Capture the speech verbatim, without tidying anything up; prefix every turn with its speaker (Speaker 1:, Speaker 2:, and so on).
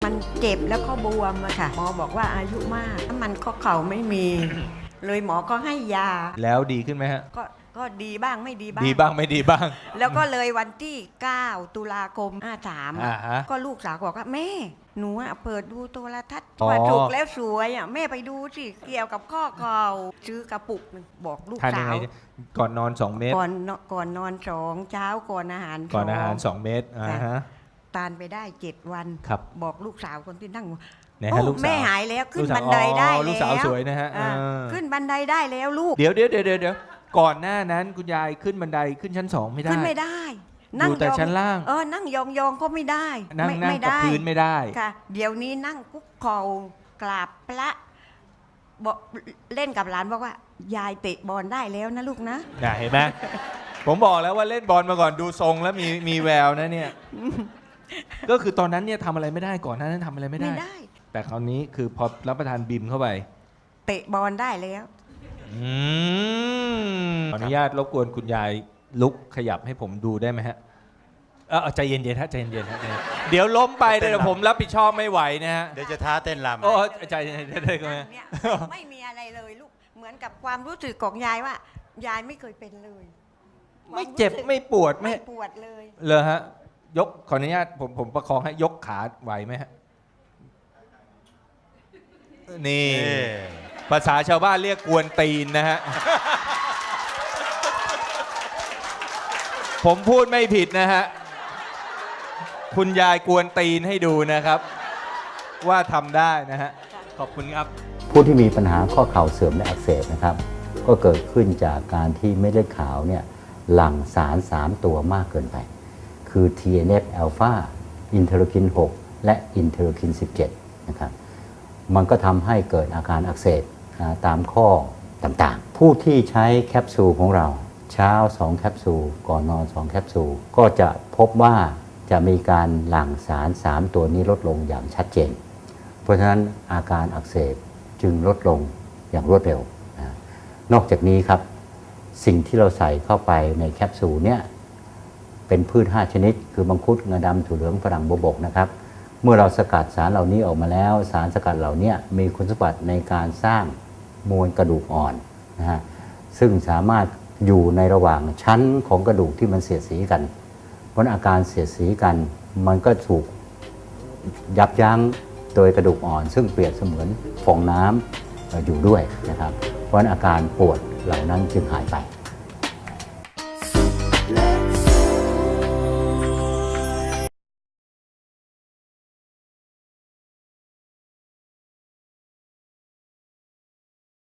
Speaker 1: มันเจ็บแล้วก็บวมอะค่ะหมอบอกว่าอายุมากมันข้อเข่าไม่มี เลยหมอก็ให้ยา
Speaker 2: แล้วดีขึ้นไหมฮะ
Speaker 1: ก็ก็ดีบ้างไม่ดีบ้าง
Speaker 2: ดีบ้างไม่ดีบ้าง
Speaker 1: แล้วก็เลยวันที่เก้าตุลาคมห้าสาม
Speaker 2: อ่าฮะ
Speaker 1: ก็ลูกสาวบอกว่าแม่หนูอะเปิดดูโทรทัศน์
Speaker 2: อ๋อ
Speaker 1: ว่าถูกแล้วสวยอ่ะแม่ไปดูสิเกี่ยวกับข้อเข่าซื้อกระปุกหนึ่งบอกลูก
Speaker 2: ทานยั
Speaker 1: สาง
Speaker 2: ไง
Speaker 1: ว
Speaker 2: เนี่ยก่อนนอนสองเม็ด
Speaker 1: ก่อนนอนก่อนนอนสองเช้าก่อนอาหาร
Speaker 2: ก่อนอาหาร
Speaker 1: ส
Speaker 2: ส
Speaker 1: อง
Speaker 2: องเม็ดอ่าฮะ
Speaker 1: ทานไปได้เจ็ดวัน
Speaker 2: ครับ
Speaker 1: บอกลูกสาวคนที่นั่ง
Speaker 2: ไหนฮะ
Speaker 1: โอ้
Speaker 2: ลูกสาว
Speaker 1: แม่หายแล้วขึ้น
Speaker 2: ลูกสาว
Speaker 1: บันไดได้
Speaker 2: อ๋อ
Speaker 1: แล้ว
Speaker 2: ลูกสาวสวยนะฮะ
Speaker 1: อ่า
Speaker 2: เออ
Speaker 1: ขึ้นบันไดได้แล้วลูก
Speaker 2: เดี๋ยวเดี๋ยวเดี๋ยวเดี๋ยวก่อนหน้านั้นคุณยายขึ้นบันไดขึ้นชั้นสองไม่ได้
Speaker 1: ขึ้นไม่ได้
Speaker 2: อยู่แต่
Speaker 1: ยอง
Speaker 2: ชั้นล่าง
Speaker 1: เออนั่งยองยองๆก็ไม่ได้
Speaker 2: นั่ง
Speaker 1: ไม่
Speaker 2: นั่ง
Speaker 1: ไม่
Speaker 2: กับ
Speaker 1: ได้
Speaker 2: พื้นไม่ได้
Speaker 1: ค่ะ เดี๋ยวนี้นั่งคุกเข่ากราบพระบอกเล่นกับหลานบอกว่า ยายเตะบอลได้แล้วนะลูกนะ
Speaker 2: น่ะเห็นไหม ผมบอกแล้วว่าเล่นบอลมาก่อนดูทรงแล้วมีมีแววนะเนี่ย ก็คือตอนนั้นเนี่ยทำอะไรไม่ได้ก่อนหน้านั้นทำอะไรไม่ได้
Speaker 1: ไม่ได้
Speaker 2: แต่คราวนี้คือพอรับประทานบิมเข้าไป
Speaker 1: เตะบอลได้แล้ว
Speaker 2: อืมขออนุญาตรบกวนคุณยายลุกขยับให้ผมดูได้ไหมฮะเออใจเย็นๆฮะใจเย็นๆฮะใจเย็นเดี๋ยวล้มไปเดี๋ยวผมรับผิดชอบไม่ไหวนะฮะ
Speaker 3: เดี๋ยวจะท้าเต้นรำ
Speaker 2: โอ้ใจเย็นๆได้ไหม
Speaker 1: เนี่ยไม่มีอะไรเลยลูกเหมือนกับความรู้สึกของยายว่า ยายไม่เคยเป็นเลย
Speaker 2: ไม่เจ็บไม่ปวดไม่
Speaker 1: ไม่ปวดเลย
Speaker 2: เลยฮะยกขออนุญาตผมผมประคองให้ยกขาไหวไหมฮะนี่
Speaker 3: นี่
Speaker 2: ภาษาชาวบ้านเรียกกวนตีนนะฮะ ผมพูดไม่ผิดนะฮะ คุณยายกวนตีนให้ดูนะครับ ว่าทำได้นะฮะ ขอบคุณครับ
Speaker 4: ผู้ที่มีปัญหาข้อเข่าเสื่อมและอักเสบนะครับ ก็เกิดขึ้นจากการที่เม็ดเลือดขาวเนี่ยหลั่งสาร สาม ตัวมากเกินไป คือ ที เอ็น เอฟ อลฟา อินเทอร์คิน หก และอินเทอร์คิน สิบเจ็ด นะครับ มันก็ทำให้เกิดอาการอักเสบตามข้อต่างๆ ผู้ที่ใช้แคปซูลของเราเช้า สอง แคปซูล ก่อนนอน สอง แคปซูล ก็จะพบว่าจะมีการหลั่งสาร สาม ตัวนี้ลดลงอย่างชัดเจน เพราะฉะนั้นอาการอักเสบจึงลดลงอย่างรวดเร็วนะนอกจากนี้ครับสิ่งที่เราใส่เข้าไปในแคปซูลเนี่ยเป็นพืช ห้า ชนิด คือมังคุดงาดำถั่วเหลืองฝรั่งบวบกนะครับเมื่อเราสกัดสารเหล่านี้ออกมาแล้วสารสกัดเหล่านี้มีคุณสมบัติในการสร้างมวลกระดูกอ่อนนะฮะซึ่งสามารถอยู่ในระหว่างชั้นของกระดูกที่มันเสียดสีกันเพราะอาการเสียดสีกันมันก็ถูกยับยั้งโดยกระดูกอ่อนซึ่งเปรียบเสมือนฟองน้ำอยู่ด้วยนะครับเพราะอาการปวดเหล่านั้นจึงหายไป